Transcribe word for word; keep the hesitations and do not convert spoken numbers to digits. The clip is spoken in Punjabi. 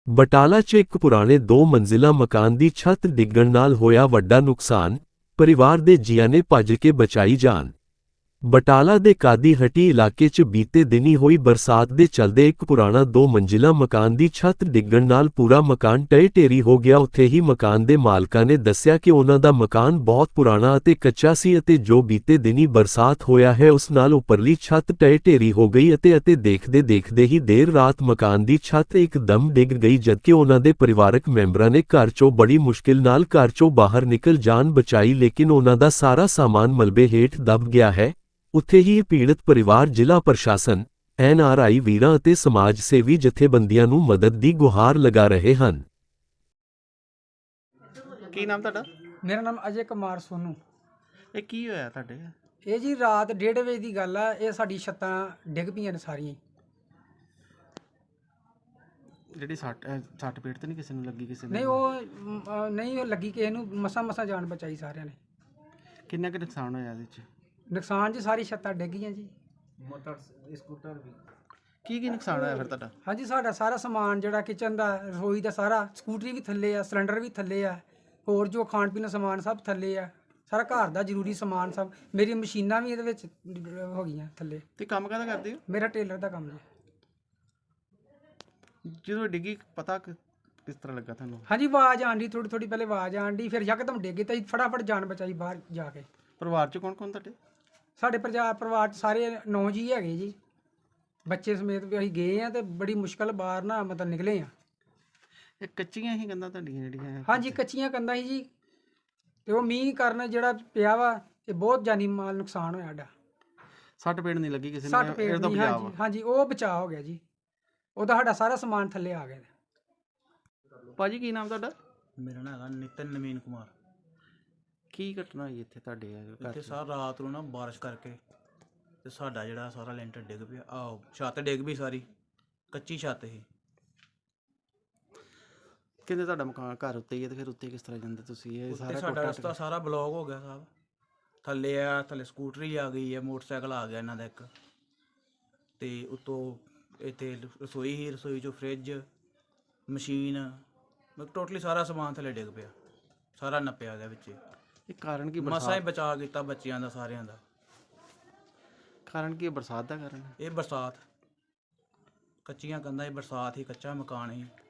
ਬਟਾਲਾ 'ਚ ਇੱਕ ਪੁਰਾਣੇ ਦੋ ਮੰਜ਼ਿਲਾ ਮਕਾਨ ਦੀ ਛੱਤ ਡਿੱਗਣ ਨਾਲ ਹੋਇਆ ਵੱਡਾ ਨੁਕਸਾਨ, ਪਰਿਵਾਰ ਦੇ ਜੀਆਂ ਨੇ ਭੱਜ ਕੇ ਬਚਾਈ ਜਾਨ। ਬਟਾਲਾ ਦੇ ਕਾਦੀ ਹੱਟੀ ਇਲਾਕੇ 'ਚ ਬੀਤੇ ਦਿਨੀ ਹੋਈ ਬਰਸਾਤ ਦੇ ਚਲਦੇ ਇੱਕ ਪੁਰਾਣਾ ਦੋ ਮੰਜ਼ਿਲਾ ਮਕਾਨ ਦੀ ਛੱਤ ਡਿੱਗਣ ਨਾਲ ਪੂਰਾ ਮਕਾਨ ਢਹਿ ਢੇਰੀ ਹੋ ਗਿਆ। ਉੱਥੇ ਹੀ ਮਕਾਨ ਦੇ ਮਾਲਕਾਂ ਨੇ ਦੱਸਿਆ ਕਿ ਉਹਨਾਂ ਦਾ ਮਕਾਨ ਬਹੁਤ ਪੁਰਾਣਾ ਅਤੇ ਕੱਚਾ ਸੀ ਅਤੇ ਜੋ ਬੀਤੇ ਦਿਨੀ ਬਰਸਾਤ ਹੋਇਆ ਹੈ ਉਸ ਨਾਲ ਉੱਪਰਲੀ ਛੱਤ ਢਹਿ ਢੇਰੀ ਹੋ ਗਈ ਅਤੇ ਅਤੇ ਦੇਖਦੇ ਦੇਖਦੇ ਹੀ ਦੇਰ ਰਾਤ ਮਕਾਨ ਦੀ ਛੱਤ ਇੱਕਦਮ ਡਿੱਗ ਗਈ, ਜਦਕਿ ਉਹਨਾਂ ਦੇ ਪਰਿਵਾਰਕ ਮੈਂਬਰਾਂ ਨੇ ਘਰ 'ਚੋਂ ਬੜੀ ਮੁਸ਼ਕਿਲ ਨਾਲ ਘਰ 'ਚੋਂ ਬਾਹਰ ਨਿਕਲ ਜਾਨ ਬਚਾਈ, ਲੇਕਿਨ ਉਹਨਾਂ ਦਾ ਸਾਰਾ ਸਾਮਾਨ ਮਲਬੇ ਹੇਠ ਦਬ ਗਿਆ ਹੈ। ਉੱਥੇ ਹੀ ਪੀੜਤ ਪਰਿਵਾਰ ਜ਼ਿਲ੍ਹਾ ਪ੍ਰਸ਼ਾਸਨ, ਐਨ ਆਰ ਆਈ ਵੀਰਾਂ ਅਤੇ ਸਮਾਜ ਸੇਵੀ ਜਥੇਬੰਦੀਆਂ ਨੂੰ ਮਦਦ ਦੀ ਗੁਹਾਰ ਲਗਾ ਰਹੇ ਹਨ। ਕੀ ਨਾਮ ਤੁਹਾਡਾ? ਮੇਰਾ ਨਾਮ ਅਜੇ ਕੁਮਾਰ ਸੋਨੂ। ਇਹ ਕੀ ਹੋਇਆ ਤੁਹਾਡੇ? ਇਹ ਜੀ ਰਾਤ ਡੇਢ ਵਜੇ ਦੀ ਗੱਲ ਆ। ਇਹ ਸਾਡੀ ਛੱਤਾਂ ਡਿੱਗ ਪਈਆਂ ਨੇ ਸਾਰੀਆਂ। ਜਿਹੜੀ ਸੱਟ ਸੱਟ ਪੇਟ ਤੇ ਨਹੀਂ ਕਿਸੇ ਨੂੰ ਲੱਗੀ? ਕਿਸੇ ਨੂੰ ਨਹੀਂ ਉਹ ਮ, ਅ, ਨਹੀਂ ਉਹ ਲੱਗੀ ਕਿਸੇ ਨੂੰ, ਮਸਾਂ ਮਸਾਂ ਜਾਨ ਬਚਾਈ ਸਾਰਿਆਂ ਨੇ। ਕਿੰਨਾ ਕੁ ਨੁਕਸਾਨ ਹੋਇਆ ਇਹਦੇ 'ਚ? ਨੁਕਸਾਨ ਜੀ ਸਾਰੀ ਛੱਤਾਂ ਡਿੱਗ ਗਈਆਂ ਜੀ। ਮੋਟਰ ਸਕੂਟਰ ਵੀ ਕੀ ਕੀ ਨੁਕਸਾਨ ਹੋਇਆ ਫਿਰ ਤੁਹਾਡਾ? ਹਾਂਜੀ ਸਾਡਾ ਸਾਰਾ ਸਮਾਨ ਜਿਹੜਾ ਕਿਚਨ ਦਾ, ਰਸੋਈ ਦਾ, ਸਾਰਾ ਸਕੂਟਰੀ ਵੀ ਥੱਲੇ ਆ, ਸਿਲੰਡਰ ਵੀ ਥੱਲੇ ਆ, ਹੋਰ ਜੋ ਖਾਣ ਪੀਣ ਦਾ ਸਮਾਨ ਸਭ ਥੱਲੇ ਆ, ਸਾਰਾ ਘਰ ਦਾ ਜ਼ਰੂਰੀ ਸਮਾਨ ਸਭ। ਮੇਰੀ ਮਸ਼ੀਨਾਂ ਵੀ ਇਹਦੇ ਵਿੱਚ ਹੋ ਗਈਆਂ ਥੱਲੇ। ਤੇ ਕੰਮ ਕਾਹਦਾ ਕਰਦੇ ਹੋ? ਮੇਰਾ ਟੇਲਰ ਦਾ ਕੰਮ ਜੀ। ਜਦੋਂ ਡਿੱਗੀ ਪਤਾ ਕਿ- ਕਿਸ ਤਰ੍ਹਾਂ ਲੱਗਾ ਤੁਹਾਨੂੰ? ਹਾਂਜੀ ਆਵਾਜ਼ ਆਂਦੀ, ਥੋੜੀ ਥੋੜੀ ਪਹਿਲੇ ਆਵਾਜ਼ ਆਂਦੀ, ਫਿਰ ਯਕਦਮ ਡਿੱਗ ਗਈ ਤਾਂ ਅਸੀਂ ਫਟਾਫਟ ਜਾਨ ਬਚਾਈ ਬਾਹਰ ਜਾ ਕੇ। ਪਰਿਵਾਰ 'ਚ ਕੌਣ ਕੌਣ ਤੁਹਾਡੇ? ਸਾਡੇ ਪਰਿਵਾਰ ਪਰਿਵਾਰ 'ਚ ਸਾਰੇ ਨੌ ਜੀ ਹੈਗੇ ਜੀ, ਬੱਚੇ ਸਮੇਤ ਵੀ ਅਸੀਂ ਗਏ ਆ ਤੇ ਬੜੀ ਮੁਸ਼ਕਲ ਬਾਹਰ ਨਾ ਮਤਲਬ ਨਿਕਲੇ ਆ। ਇਹ ਕੱਚੀਆਂ ਹੀ ਕੰਧਾਂ ਤੁਹਾਡੀਆਂ ਜਿਹੜੀਆਂ? ਹਾਂਜੀ ਕੱਚੀਆਂ ਕੰਧਾਂ ਸੀ ਜੀ, ਤੇ ਉਹ ਮੀਂਹ ਕਾਰਨ ਜਿਹੜਾ ਪਿਆ ਵਾ ਇਹ ਬਹੁਤ ਜਾਨੀ ਮਾਲ ਨੁਕਸਾਨ ਹੋਇਆ ਸਾਡਾ। ਸੱਟ ਪੇਟ ਨਹੀਂ ਲੱਗੀ ਕਿਸੇ ਨੂੰ? ਸੱਟ ਪੇਟ ਨਹੀਂ, ਹਾਂਜੀ ਹਾਂਜੀ ਉਹ ਬਚਾਅ ਹੋ ਗਿਆ ਜੀ, ਉਹਦਾ ਸਾਡਾ ਸਾਰਾ ਸਮਾਨ ਥੱਲੇ ਆ ਗਿਆ। ਭਾਜੀ ਕੀ ਨਾਮ ਤੁਹਾਡਾ? ਮੇਰਾ ਨਾਮ ਹੈਗਾ ਨਿਤਨ ਨਵੀਨ ਕੁਮਾਰ। ਕੀ ਘਟਨਾ ਹੋਈ ਇੱਥੇ ਤੁਹਾਡੇ ਘਰ ਇੱਥੇ 'ਚ? ਸਾਰ ਰਾਤ ਨੂੰ ਨਾ ਬਾਰਿਸ਼ ਕਰਕੇ ਤੇ ਸਾਡਾ ਜਿਹੜਾ ਸਾਰਾ ਲੈਂਟਰ ਡਿੱਗ ਪਿਆ। ਆਹ ਛੱਤ ਡਿੱਗ ਪਈ ਸਾਰੀ, ਕੱਚੀ ਛੱਤ ਸੀ। ਕਹਿੰਦੇ ਤੁਹਾਡਾ ਮਕਾਨ ਘਰ ਉੱਤੇ ਹੀ ਹੈ, ਤੇ ਫਿਰ ਉੱਤੇ ਕਿਸ ਤਰ੍ਹਾਂ ਜਾਂਦੇ ਤੁਸੀਂ? ਇਹ ਉੱਤੇ ਸਾਰਾ ਸਾਡਾ ਟੁੱਟਾ ਰਸਤਾ ਸਾਰਾ ਬਲੌਕ ਹੋ ਗਿਆ ਸਾਹਿਬ। ਥੱਲੇ ਆ, ਥੱਲੇ ਸਕੂਟਰੀ ਆ ਗਈ ਹੈ, ਮੋਟਰਸਾਈਕਲ ਆ ਗਿਆ ਇਹਨਾਂ ਦਾ ਇੱਕ, ਤੇ ਉੱਤੋਂ ਇੱਥੇ ਰਸੋਈ ਹੀ, ਰਸੋਈ 'ਚੋਂ ਫਰਿੱਜ, ਮਸ਼ੀਨ, ਮਤਲਬ ਟੋਟਲੀ ਸਾਰਾ ਸਮਾਨ ਥੱਲੇ ਡਿੱਗ ਪਿਆ, ਸਾਰਾ ਨੱਪਿਆ ਗਿਆ ਵਿੱਚ। ਇਹ ਕਾਰਨ ਕੀ? ਮਸਾਂ ਹੀ ਬਰਸਾਤ? ਬਚਾ ਕੀਤਾ ਬੱਚਿਆਂ ਦਾ, ਸਾਰਿਆਂ ਦਾ। ਕਾਰਨ ਕੀ ਹੈ? ਬਰਸਾਤ ਦਾ ਕਾਰਨ ਹੈ? ਇਹ ਬਰਸਾਤ, ਕੱਚੀਆਂ ਕੰਧਾਂ, ਇਹ ਬਰਸਾਤ ਹੀ, ਕੱਚਾ ਮਕਾਨ ਹੀ।